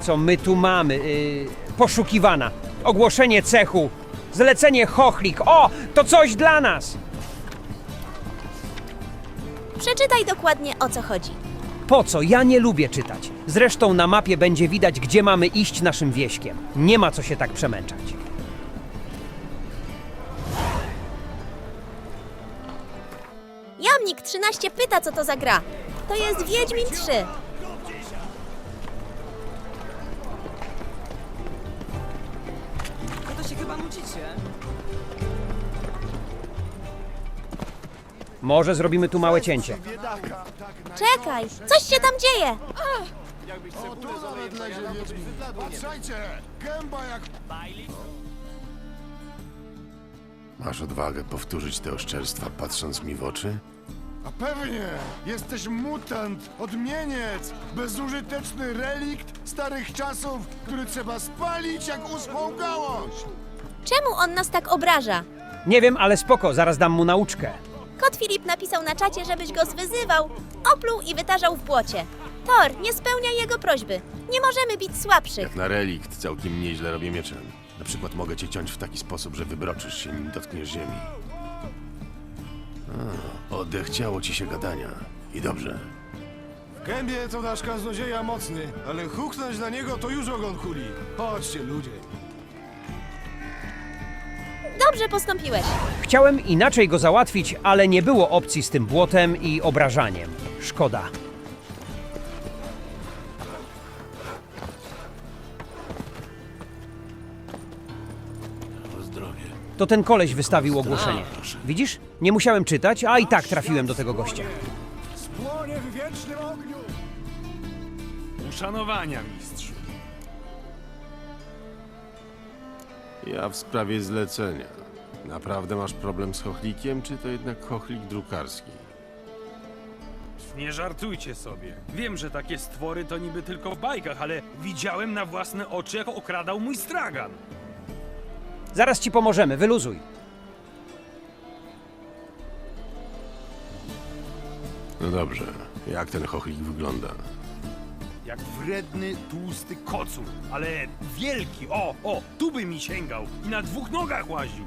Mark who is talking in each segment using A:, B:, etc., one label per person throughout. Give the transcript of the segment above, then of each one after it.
A: co my tu mamy. Poszukiwana. Ogłoszenie cechu. Zlecenie chochlik. O, to coś dla nas.
B: Przeczytaj dokładnie, o co chodzi.
A: Po co? Ja nie lubię czytać. Zresztą na mapie będzie widać, gdzie mamy iść naszym wieśkiem. Nie ma co się tak przemęczać.
B: Jamnik 13 pyta, co to za gra. To jest Wiedźmin 3.
C: No to się chyba nudzicie.
A: Może zrobimy tu małe cięcie.
B: Czekaj, coś się tam dzieje.
D: O, tu nawet lezie Wiedźmin. Patrzajcie! Gęba jak...
E: Masz odwagę powtórzyć te oszczerstwa, patrząc mi w oczy?
D: A pewnie! Jesteś mutant, odmieniec, bezużyteczny relikt starych czasów, który trzeba spalić jak uschłą gałąź!
B: Czemu on nas tak obraża?
A: Nie wiem, ale spoko, zaraz dam mu nauczkę.
B: Kot Filip napisał na czacie, żebyś go zwyzywał, opluł i wytarzał w błocie. Thor, nie spełnia jego prośby. Nie możemy bić słabszych.
E: Jak na relikt całkiem nieźle robię mieczem. Na przykład mogę cię ciąć w taki sposób, że wybroczysz się, nim dotkniesz ziemi. Odechciało ci się gadania. I dobrze.
D: W gębie to nasz kaznodzieja mocny, ale huknąć na niego to już ogon kuli. Chodźcie, ludzie.
B: Dobrze postąpiłeś.
A: Chciałem inaczej go załatwić, ale nie było opcji z tym błotem i obrażaniem. Szkoda.
E: O zdrowie.
A: To ten koleś wystawił ogłoszenie. Widzisz? Nie musiałem czytać, a i tak trafiłem do tego gościa.
D: Płonie w wiecznym ogniu!
F: Uszanowania, mistrzu.
E: Ja w sprawie zlecenia. Naprawdę masz problem z chochlikiem, czy to jednak chochlik drukarski?
F: Nie żartujcie sobie. Wiem, że takie stwory to niby tylko w bajkach, ale widziałem na własne oczy, jak okradał mój stragan.
A: Zaraz ci pomożemy, wyluzuj.
E: No dobrze. Jak ten chochlik wygląda?
F: Jak wredny, tłusty kocur, ale wielki. O, tu by mi sięgał i na 2 nogach łaził.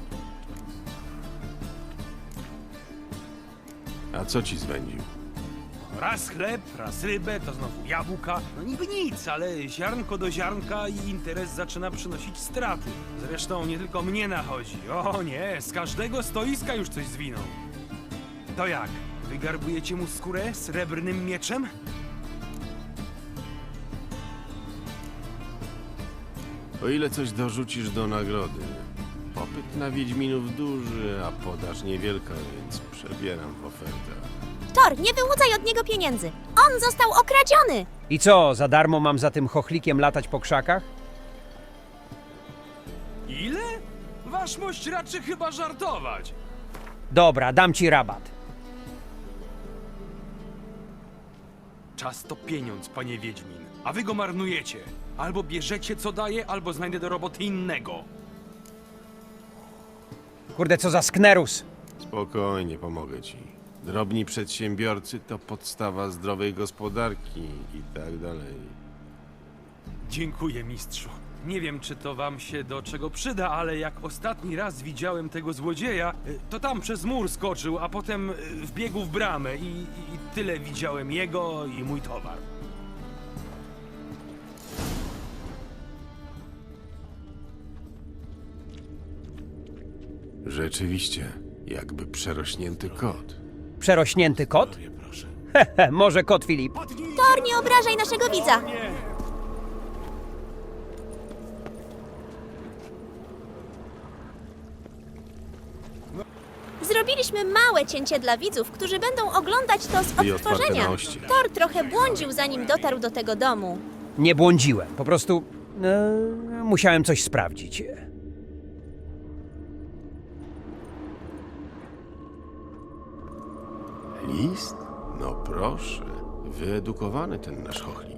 E: A co ci zwędził?
F: Raz chleb, raz rybę, to znowu jabłka. No niby nic, ale ziarnko do ziarnka i interes zaczyna przynosić straty. Zresztą nie tylko mnie nachodzi. O nie, z każdego stoiska już coś zwinął. To jak? Wygarbujecie mu skórę srebrnym mieczem?
E: O ile coś dorzucisz do nagrody. Popyt na Wiedźminów duży, a podaż niewielka, więc przebieram w ofertach.
B: Thor, nie wyłudzaj od niego pieniędzy. On został okradziony.
A: I co, za darmo mam za tym chochlikiem latać po krzakach?
F: Ile? Waszmość raczy chyba żartować.
A: Dobra, dam ci rabat.
F: Czas to pieniądz, panie Wiedźmin, a wy go marnujecie. Albo bierzecie co daje, albo znajdę do roboty innego.
A: Kurde, co za sknerus.
E: Spokojnie, pomogę ci. Drobni przedsiębiorcy to podstawa zdrowej gospodarki i tak dalej.
F: Dziękuję, mistrzu. Nie wiem, czy to wam się do czego przyda, ale jak ostatni raz widziałem tego złodzieja, to tam przez mur skoczył, a potem wbiegł w bramę i tyle widziałem jego i mój towar.
E: Rzeczywiście, jakby przerośnięty kot.
A: Przerośnięty kot? Hehe, może kot Filip.
B: Thor, nie obrażaj naszego widza. Zrobiliśmy małe cięcie dla widzów, którzy będą oglądać to z
E: I otwarte
B: odtworzenia.
E: na oścież.
B: Thor trochę błądził, zanim dotarł do tego domu.
A: Nie błądziłem, po prostu musiałem coś sprawdzić.
E: List? No proszę, wyedukowany ten nasz chochlik.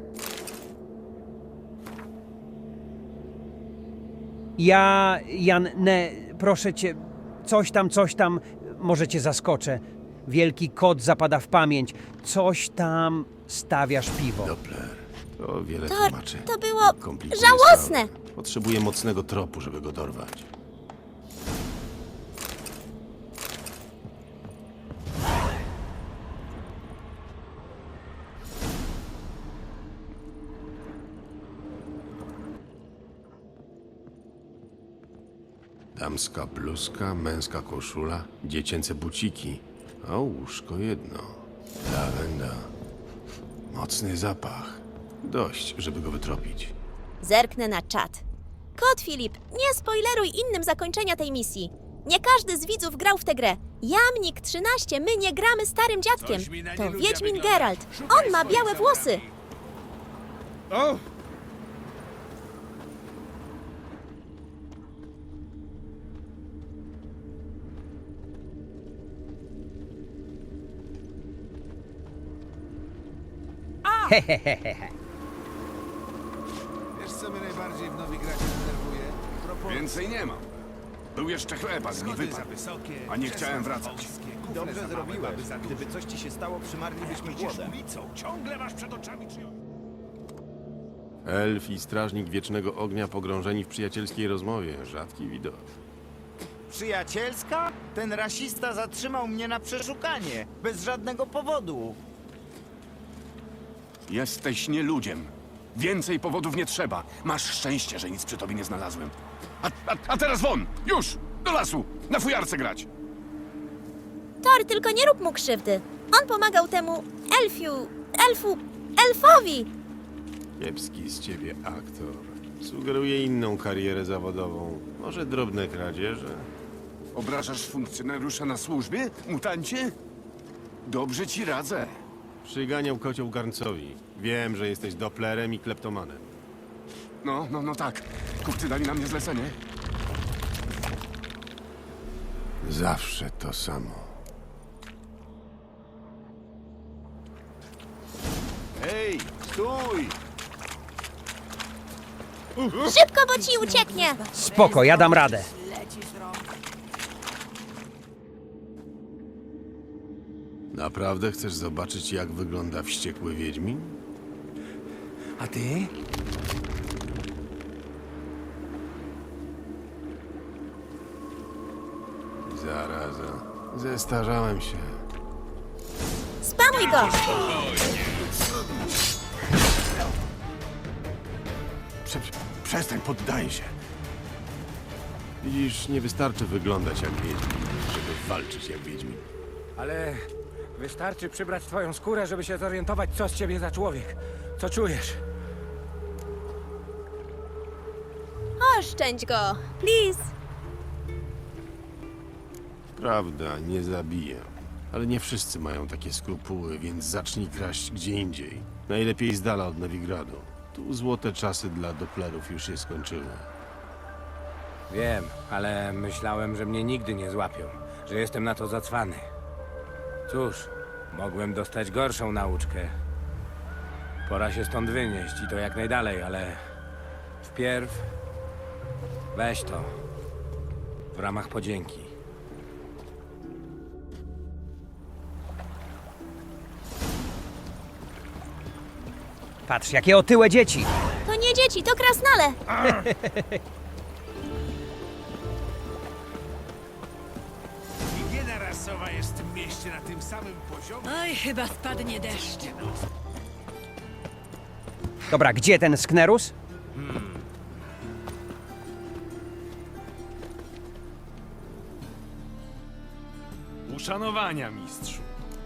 A: Jan, proszę cię, coś tam, może cię zaskoczę. Wielki kot zapada w pamięć, coś tam stawiasz piwo.
E: Doppler, To wiele
B: Thor,
E: tłumaczy.
B: to było
E: Komplikuje
B: żałosne.
E: sprawę. Potrzebuję mocnego tropu, żeby go dorwać. Damska bluzka, męska koszula, dziecięce buciki, a łóżko jedno. Lawenda. Mocny zapach. Dość, żeby go wytropić.
B: Zerknę na czat. Kot Filip, nie spoileruj innym zakończenia tej misji. Nie każdy z widzów grał w tę grę. Jamnik 13, my nie gramy starym dziadkiem. To Wiedźmin Geralt. On ma białe włosy.
C: Wiesz, co mnie najbardziej w Nowigradzie denerwuje?
G: Więcej nie mam. Był jeszcze chleb, a z mi
C: Schody za
G: wypadł.
C: wysokie,
G: A nie
C: krzesła
G: chciałem
C: za
G: wracać.
C: wąskie, kufle
H: Dobrze
C: za małe,
H: zrobiłaby,
C: baby za
H: gdyby coś ci się stało, przymarlibyśmy głodem.
C: ulicą, ciągle masz przed oczami czyjąś...
E: Elf i strażnik Wiecznego Ognia pogrążeni w przyjacielskiej rozmowie. Rzadki widok.
H: Przyjacielska? Ten rasista zatrzymał mnie na przeszukanie, bez żadnego powodu.
G: Jesteś nieludziem. Więcej powodów nie trzeba. Masz szczęście, że nic przy tobie nie znalazłem. A teraz won! Już! Do lasu! Na fujarce grać!
B: Thor, tylko nie rób mu krzywdy. On pomagał temu elfowi.
E: Kiepski z ciebie aktor. Sugeruje inną karierę zawodową. Może drobne kradzieże?
G: Obrażasz funkcjonariusza na służbie, mutancie? Dobrze ci radzę.
E: Przyganiał kocioł garncowi. Wiem, że jesteś doplerem i kleptomanem.
G: No tak. Kupcy dali na mnie zlecenie.
E: Zawsze to samo.
H: Hej, stój!
B: Szybko, bo ci ucieknie.
A: Spoko, ja dam radę.
E: Naprawdę chcesz zobaczyć, jak wygląda wściekły Wiedźmin?
C: A ty?
E: Zaraza. Zestarzałem się.
B: Spamuj go.
E: Przestań, poddaj się. Widzisz, nie wystarczy wyglądać jak Wiedźmin, żeby walczyć jak Wiedźmin.
I: Ale wystarczy przybrać twoją skórę, żeby się zorientować, co z ciebie za człowiek. Co czujesz?
B: Oszczędź go, please.
E: Prawda, nie zabiję. Ale nie wszyscy mają takie skrupuły, więc zacznij kraść gdzie indziej. Najlepiej z dala od Nowigradu. Tu złote czasy dla doplerów już się skończyły.
I: Wiem, ale myślałem, że mnie nigdy nie złapią, że jestem na to zacwany. Cóż, mogłem dostać gorszą nauczkę. Pora się stąd wynieść i to jak najdalej, ale wpierw weź to w ramach podzięki.
A: Patrz, jakie otyłe dzieci.
B: To nie dzieci, to krasnale.
C: Higiena rasowa jest w tym mieście na tym samym poziomie.
J: Oj, chyba spadnie deszcz.
A: Dobra, gdzie ten Sknerus?
F: Uszanowania, mistrzu.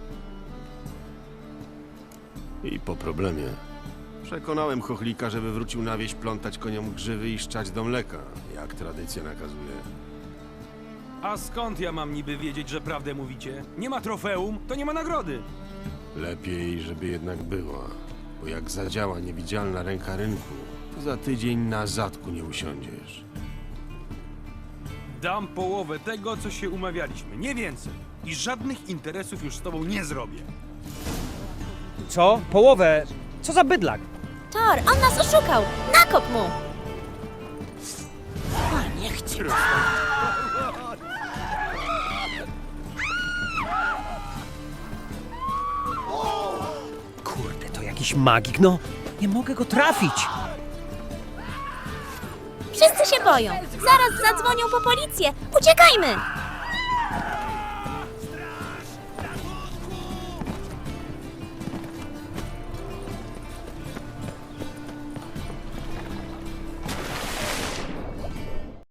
E: I po problemie. Przekonałem chochlika, żeby wrócił na wieś plątać koniom grzywy i szczać do mleka, jak tradycja nakazuje.
F: A skąd ja mam niby wiedzieć, że prawdę mówicie? Nie ma trofeum, to nie ma nagrody.
E: Lepiej, żeby jednak była, bo jak zadziała niewidzialna ręka rynku, to za tydzień na zadku nie usiądziesz.
F: Dam połowę tego, co się umawialiśmy, nie więcej. I żadnych interesów już z tobą nie zrobię.
A: Co? Połowę? Co za bydlak?
B: Thor, on nas oszukał. Nakop mu.
A: Kurde, to jakiś magik, no. Nie mogę go trafić.
B: Wszyscy się boją. Zaraz zadzwonią po policję. Uciekajmy!